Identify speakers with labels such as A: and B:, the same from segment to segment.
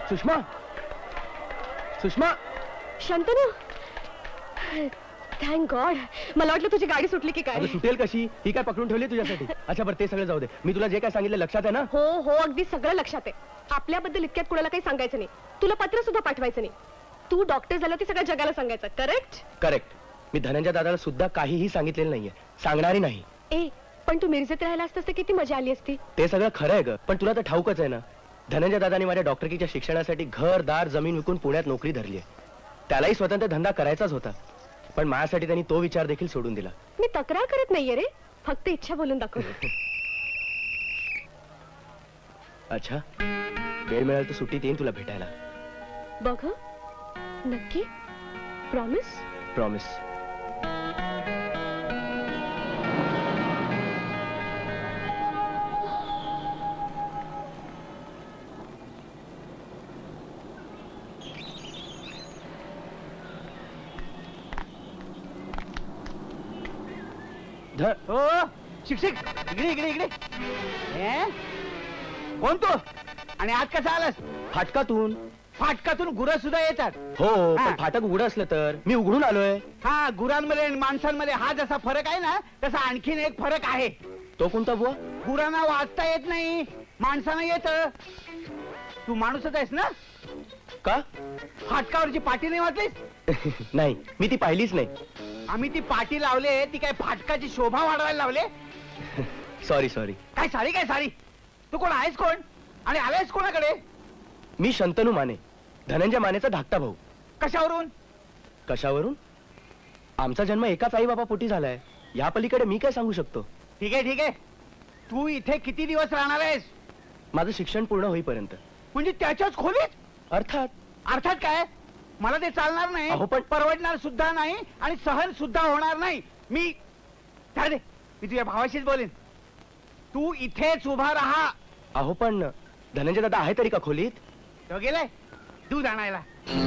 A: Sushma, Sushma.
B: Shantanu, thank God. मला वाटलं तुझी गाडी सुटली की काय.
A: अगं सुटेल कशी, ही काय पकडून ठेवली तुझ्यासाठी. अच्छा बरं ते सगळं जाऊ दे. मी तुला जे काय सांगितलं लक्षात आहे ना?
B: हो हो, अगदी सगळं लक्षात आहे. आपल्याबद्दल इतक्यात कुणाला काही सांगायचं नाही. तुला पत्र सुद्धा पाठवायचं नाही. तू डॉक्टर झाला ते सगळ्या जगाला सांगायचं. Correct
A: correct. मी धनंजय दादाला सुद्धा काहीही सांगितलेलं नाहीये, सांगणारही नाही.
B: ए, पण तू मिरजेत राहायला असतास तर किती मजा आली असती.
A: ते सगळं खरं आहे ग, पण तुला तर ठाऊकच आहे ना, धनंजय दादानी माझ्या डॉक्टरकीच्या शिक्षणासाठी घर दार जमीन विकून पुण्यात नोकरी धरली आहे. त्यालाही स्वतंत्र धंदा करायचाच होता, पण माझ्यासाठी त्यांनी तो विचार देखील सोडून दिला.
B: मी तक्रार करत नाहीये रे, फक्त इच्छा बोलून दाखवली.
A: अच्छा, वेळ मिळाल तर सुट्टीत येईन तुला भेटायला.
B: बघ हं. नक्की? प्रॉमिस?
A: प्रॉमिस.
C: हो शिक्षक, इकडे इकडे इकडे. कोण तू आणि आज कसा आलास?
A: फाटकातून.
C: फाटकातून गुरं सुद्धा येतात.
A: हो,
C: हा.
A: पण फाटक उघडं असलं तर मी उघडून आलोय.
C: हा, गुरांमध्ये आणि माणसांमध्ये हा जसा फरक आहे ना, तसा आणखीन एक फरक आहे.
A: तो कोणता बुवा?
C: गुरांना वाचता येत नाही, माणसांना येत. तू माणूसच आहेस ना?
A: का?
C: फाटकावरची पाटी नाही वाचलीस?
A: नाही, मी ती पाहिलीच नाही.
C: आम्ही ती पाटी लावले, ती काय फाटकाची शोभा वाढवायला लावले?
A: Sorry sorry.
C: काय सारी काय सारी? तू कोण आहेस कोण आणि आलायस कोणाकडे?
A: मी शंतनू माने, धनंजय मानेचा धाकटा भाऊ.
C: कशावरून?
A: कशावरून? आमचा जन्म एकाच आई बाबा पोटी झालाय, या पलीकडे मी काय सांगू शकतो.
C: ठीक आहे ठीक आहे. तू इथे किती दिवस राहणार आहेस?
A: माझं शिक्षण पूर्ण होईपर्यंत.
C: म्हणजे त्याच्याच खोलीत?
A: अर्थात.
C: अर्थात काय? मला ते चालणार नाही.
A: अहो, पण
C: परवडणार सुद्धा नाही आणि सहन सुद्धा होणार नाही. मी काय रे, मी तुझ्या भावाशीच बोलेन. तू इथेच उभा राहा.
A: अहो पण धनंजय दादा आहे तरी का खोलीत?
C: तो गेलाय दूध आणायला.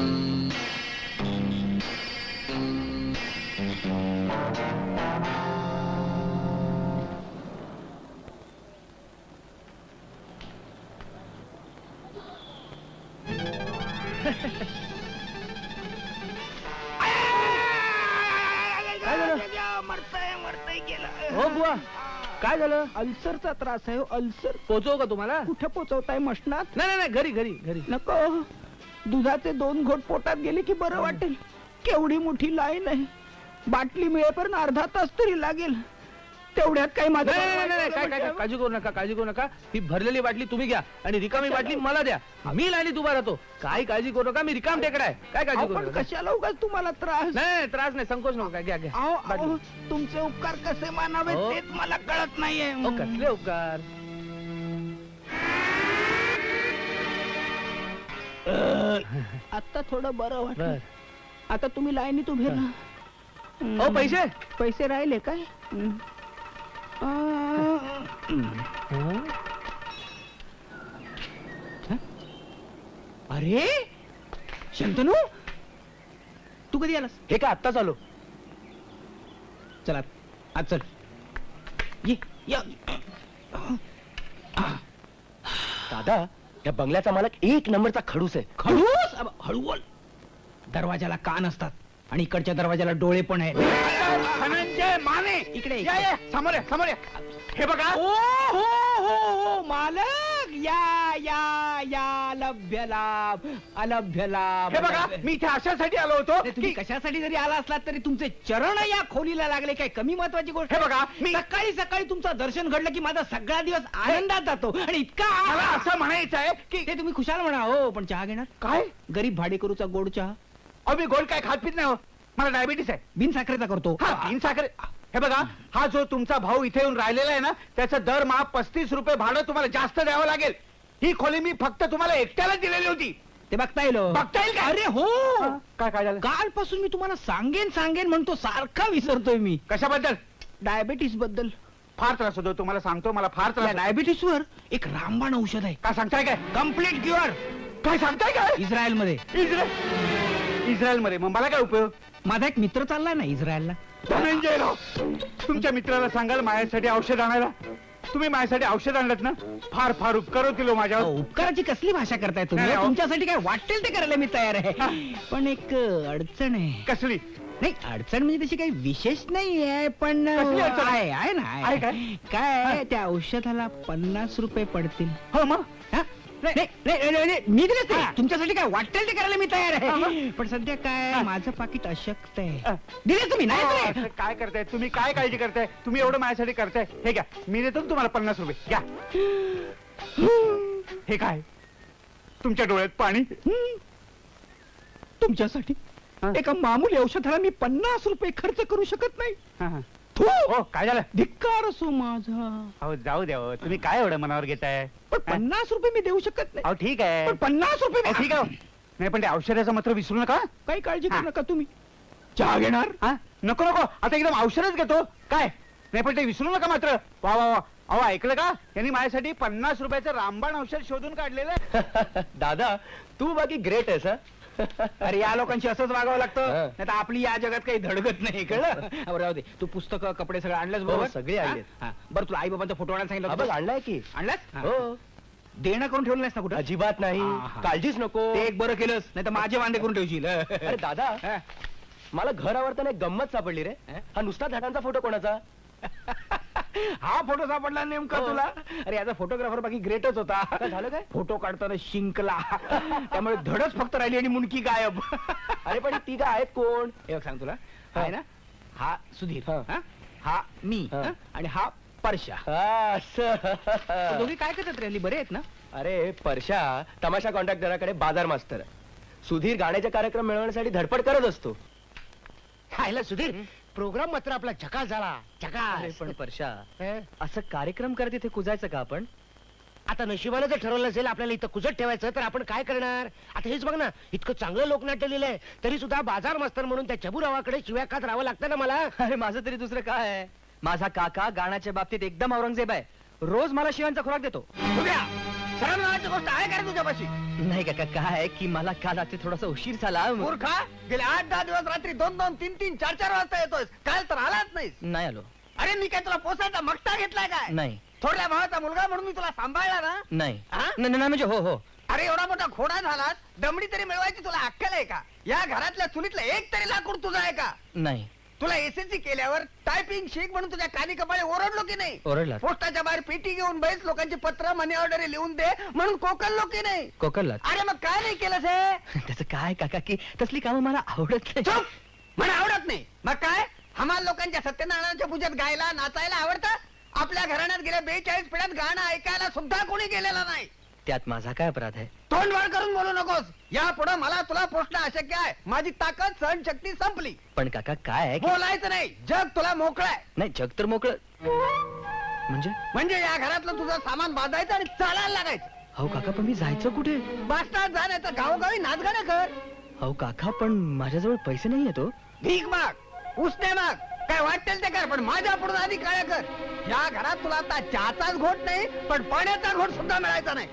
C: मरतय गेलं.
A: हो बुवा, काय झालं?
D: अल्सरचा त्रास आहे. अल्सर.
A: पोचव का तुम्हाला?
D: कुठे पोचवताय? मशनात?
A: नाही नाही, घरी घरी घरी.
D: नको, दुधाचे 2 घोट पोटात गेले की बरं वाटेल. केवढी मोठी लाईन आहे, बाटली मिळेपर्यंत अर्धा तास तरी लागेल. तेवढ्यात काही माझं
E: काय काय काळजी करू नका, काळजी करू नका. ही भरलेली बाटली तुम्ही घ्या आणि रिकामी बाटली मला द्या. मी लाईनीत उभा राहतो. काय काळजी करू नका, मी रिकाम टेकडा आहे. काय काळजी करू
D: पण
E: नका.
D: कशाला उगाच तुम्हाला त्रास?
E: नाही त्रास नाही, संकोच नका. घ्या घ्या
D: अहो,
E: बाटली.
D: अहो, तुमचे उपकार कसे मानावे
E: हो.
D: तेच मला कळत नाहीये.
E: अहो, कसले उपकार?
D: आता थोडं बरं
E: बर.
D: वाटलं. आता तुम्ही लाईनीत उभे राहा.
E: अहो पैसे.
D: पैसे राहिले काय? अरे शंतनू, तू कधी आलास?
A: हे काय आत्ताच आलो.
D: चला आज चल. ये या.
A: दादा, या बंगल्याचा मालक एक नंबरचा खडूस आहे.
D: खडूस? हळू बोल. दरवाजाला कान असतात आणि इकडच्या दरवाजाला डोळे पण आहेत.
C: धनंजय माने
D: इकडे
C: या या, समोर या, समोर या. हे बघा.
D: ओ हो हो हो, मालक या या या. लभ्य लाभ, अलभ्य लाभ.
C: हे बघा, मी इथे अशासाठी आलो होतो
D: अरे, तुम्ही
C: की
D: कशासाठी जरी आला असलात तरी तुमचे चरण या खोलीला लागले. काय कमी महत्वाची गोष्ट?
C: हे बघा, मी
D: सकाळी सकाळी तुमचं दर्शन घडलं की माझा सगळा दिवस आनंदात जातो. आणि इतका
C: मला असं म्हणायचं आहे की
D: ते तुम्ही खुशाल म्हणा. हो, पण चहा घेणार?
C: काय?
D: गरीब भाडेकरूचा गोड चहा.
C: अहो, मी गोड काय खात पित नाही हो. मला डायबिटीस आहे.
D: बिन साखरेचा करतो.
C: हा, तीन साखर. हे बघा, हा जो तुमचा भाऊ इथे येऊन राहिलेला आहे ना, त्याचं दरमहा 35 रुपये भाडं तुम्हाला जास्त द्यावं लागेल. ही खोली मी फक्त तुम्हाला एकट्याला दिलेली होती.
D: ते बघता येईल.
C: बघता येईल का?
D: अरे हो,
C: काय काय झालं?
D: कालपासून मी तुम्हाला सांगेन सांगेन म्हणतो, सारखा विसरतोय मी.
C: कशाबद्दल?
D: डायबिटीस बद्दल.
C: फार त्रास होतो तुम्हाला सांगतो. मला फार त्रास होतो.
D: डायबिटीस वर एक रामबाण औषध आहे.
C: काय सांगताय काय?
D: Complete cure.
C: काय सांगताय काय?
D: इस्रायल मध्ये.
C: इस्रायल मध्ये? मग मला काय उपयोग?
D: माझा एक मित्र चाललाय ना इस्रायलला.
C: धनंजय राव, तुमच्या मित्राला सांगाल माझ्यासाठी औषध आणायला. तुम्ही माझ्यासाठी औषध आणलं ना, फार फार उपकार होतील हो माझ्यावर.
D: उपकाराची कसली भाषा करताय तुम्ही
C: नाही, अहो.
D: तुमच्यासाठी काय वाटेल ते करायला मी तयार आहे पण एक अडचण आहे.
C: कसली?
D: नाही अडचण म्हणजे तशी काही विशेष नाही आहे पण
C: कसली अडचण?
D: आहे ना
C: आहे काय?
D: काय आहे, त्या औषधाला 50 रुपये पडतील.
C: हो मग
D: हा? नाही, नाही, नाही, नाही, मी दिले
C: हा.
D: तुमच्यासाठी काय वाटेल ते करायला मी तयार
C: हा,
D: आहे
C: मग?
D: पण सध्या काय
C: हा.
D: माझं पाकिट अशक्त आहे
C: हा.
D: दिले तुम्ही नाही दिले?
C: असं काय करताय तुम्ही? काय काळजी करताय तुम्ही? एवढं माझ्यासाठी करताय. हे घ्या, मी देतो ना तुम्हाला 50 रुपये. घ्या. हे काय? तुमच्या डोळ्यात पाणी?
D: तुमच्यासाठी
C: हा.
D: एका मामूली औषधाला मी 50 रुपये खर्च करू शकत नाही.
C: हा, हा.
D: थू!
C: हो, काय झालं?
D: धिक्कार असो माझा.
C: अहो जाऊ द्या हो. तुम्ही काय एवढं मनावर घेताय?
D: पण 50 रुपये मी देऊ शकत नाही.
C: अहो ठीक आहे.
D: पण 50 रुपये
C: अहो, ठीक आहे हो. नाही पण ते औषधाचं मात्र विसरू नका.
D: काही काळजी
C: हा.
D: करू नका तुम्ही. चहा घेणार?
C: हा? नको नको, आता एकदम औषधच घेतो. काय नाही पण ते विसरू नका मात्र. वा वा वा. अहो ऐकलं का? यांनी माझ्यासाठी 50 रुपयाचं रामबाण औषध शोधून काढलेलं आहे.
A: दादा तू बाकी ग्रेट आहेस हा.
D: अरे या लोकांशी असंच वागावं लागतं
A: हा.
D: नाही तर आपली या जगात काही धडगत नाही कळलं. हा, बरं राहू दे. तू पुस्तकं कपडे सगळं आणलंस बरोबर?
A: सगळे आणलेत.
D: हा? हा. बरं तुला आई बाबांचा फोटो आणायला सांगितलं
A: हा, बघ
D: होतं?
A: आणलाय की.
D: आणलास? हा.
A: हो
D: देणं करून ठेवलं नाहीस ना कुठं?
A: अजिबात नाही.
D: हा, हा.
A: काळजीच नको.
D: ते एक बरं केलंस नाही तर माझे वांदे करून ठेवशील.
A: अरे दादा
D: हा.
A: मला घर आवडताना एक गंमत सापडली रे.
D: हा?
A: हा नुसता झाडांचा फोटो कोणाचा?
D: हा फोटो सापडला नेमका
A: हो.
D: तुला? अरे याचा फोटोग्राफर बाकी ग्रेटच होता.
A: काय झालं काय?
D: फोटो काढताना शिंकला त्यामुळे धडच फक्त राहिली आणि मुंडकी गायब.
A: अरे पण ती काय आहेत कोण?
D: हे बघ सांग तुला
A: हा.
D: आहे ना हा सुधीर
A: हा.
D: हा? हा मी
A: हा.
D: हा? आणि हा परशा.
A: हा, असं.
D: दोघी काय करतात रे? बरे आहेत ना?
A: अरे परशा तमाशा कॉन्ट्रॅक्टराकडे बाजार मास्तर आहे. सुधीर गाण्याचे कार्यक्रम मिळवण्यासाठी धडपड करत असतो.
F: खायला सुधीर प्रोग्राम मात्र आपला झकास झाला.
A: अरे
F: झकास.
A: पण परशा
F: हं?
A: असं कार्यक्रम करत इथे कुजायचं का आपण?
F: आता नशिबानं जर ठरवलं असेल आपल्याला इथं कुजत ठेवायचं तर आपण काय करणार? आता हेच बघ ना, इतकं चांगलं लोकनाट्य लिहिलंय तरी सुद्धा बाजार मास्तर म्हणून त्या चबुरावाकडे शिव्या खात राहावं लागतं ना मला.
A: अरे माझं तरी दुसरं काय आहे? माझा काका गाण्याच्या बाबतीत एकदम औरंगजेब आहे. रोज मला शिवांचा खुराक देतो.
D: उद्या सरळ नावाची गोष्ट आहे का रे तुझ्यापाशी?
A: नाही काका काय की मला काल रात्री थोडासा उशीर झाला.
D: मूर्खा गेले 8-10 दिवस रात्री 2-2, 3-3, 4-4 वाजता येतोय. काल तर आलाच नाही.
A: नाही आलो.
D: अरे मी काय तुला पोसायचा मगता घेतलाय काय?
A: नाही
D: थोड्या भावाचा मुलगा म्हणून मी तुला सांभाळला ना.
A: नाही
D: हा?
A: नाही नाही, म्हणजे हो हो.
D: अरे एवढा मोठा घोडा झालास दमडी तरी मिळवायची तुला अक्कल आहे का? या घरातल्या चुलीतलं एक तरी लाकूड तुझं आहे का?
A: नाही
D: तुला एसएससी केल्यावर टायपिंग शिक म्हणून तुझ्या कानी कपाळे ओरडलो की नाही?
A: ओरडला.
D: पोस्टाच्या बाहेर पेटी घेऊन बैस लोकांची पत्र मनी ऑर्डर लिहून दे म्हणून कोकणलो की नाही?
A: कोकणला.
D: अरे मग काय नाही केलंस हे?
A: त्याचं काय काका की तसली कामं मला आवडत नाही.
D: चुप! मला आवडत नाही मग काय? हमाल लोकांच्या सत्यनारायणाच्या पूजेत गायला नाचायला आवडतं? आपल्या घराण्यात गेल्या 42 पिढ्यात गाणं ऐकायला सुद्धा कोणी गेलेलं नाही.
A: त्यात माझा काय अपराध आहे?
D: तोंड वाढ करून बोलू नकोस. या पुढे मला तुला पोचणं अशक्य आहे. माझी ताकद सहन शक्ती संपली.
A: पण काका काय आहे की-
D: बोलायचं नाही. जग तुला मोकळं आहे.
A: नाही जग तर मोकळं म्हणजे.
D: म्हणजे या घरातलं तुझं सामान बांधायचं आणि चालायला लागायचं.
A: हो काका पण मी जायचं कुठे?
D: बास्टात जा नाही तर गावोगावी नाचगाणं कर.
A: हो काका पण माझ्याजवळ पैसे नाही येतो.
D: भीक माग, उसने माग, काय वाटेल ते कर पण माझ्या पुढे आधी काय कर. या घरात तुला आता चहाचाच घोट नाही पण पाण्याचा घोट सुद्धा मिळायचा नाही.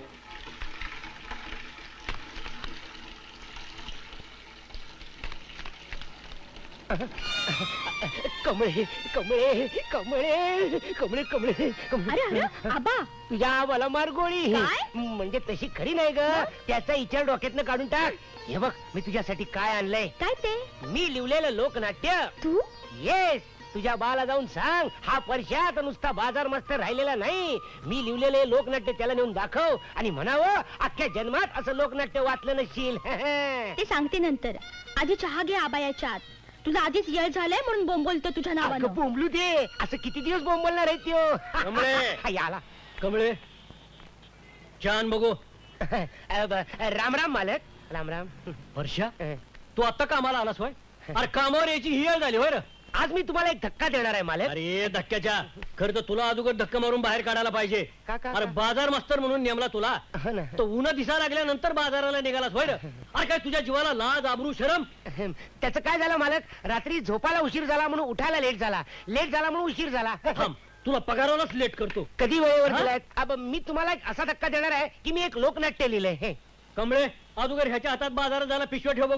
F: कमळे कमळे कमळे कमळे कमळे
B: अरे अरे आबा
F: तुझ्या मला मार गोळी.
B: काय?
F: म्हणजे तशी खरी नाही ग. त्याचा विचार डोक्यातनं काढून टाक. हे बघ मी तुझ्यासाठी काय आणलंय.
B: काय ते?
F: मी लिवलेलं लोकनाट्य.
B: तू
F: येस तुझ्या बाला जाऊन सांग हा परशात नुसता बाजार मास्तर राहिलेला नाही. मी लिवलेले लोकनाट्य त्याला नेऊन दाखव आणि म्हणावं अख्ख्या जन्मात असं लोकनाट्य वाचलं नसशील.
B: ते सांगते नंतर. आधी चहा घे आबा याच्यात. तुला आधीच येळ झालाय म्हणून बोंबलतो तुझ्या
F: अगं
B: नावानं.
F: बोंबलू दे. असं किती दिवस बोंबलणार आहे त्यो.
E: कमळे.
F: याला
E: कमळे छान बघू.
F: राम राम मालक. राम राम.
E: वर्षा तू आता कामाला आलास होय? अरे कामावर यायची ही वेळ झाली होय रे.
F: आज मी तुम्हाला एक धक्का देणार आहे मालक.
E: अरे धक्क्याच्या खरं तर तुला अगोदर धक्का मारून बाहेर काढायला पाहिजे.
F: का, का,
E: अरे
F: का?
E: बाजार मास्तर म्हणून नेमला तुला.
F: हो ना.
E: तो उन्हा दिसा लागल्यानंतर बाजाराला निघालास होय रे. अरे काय तुझ्या जीवाला लाज आबरू शरम.
F: त्याचं काय झालं मालक? रात्री झोपायला उशीर झाला म्हणून उठायला लेट झाला. लेट झाला म्हणून उशीर झाला.
E: थांब तुला पगारालाच लेट करतो.
F: कधी वेळेवर
E: हा?
F: दिलाय? अब मी तुम्हाला एक असा धक्का देणार आहे की मी एक लोकनाट्य लिहिलंय. हे
E: कमळे अगोदर ह्याच्या हातात बाजारात जायला पिशव्या ठेव बघू.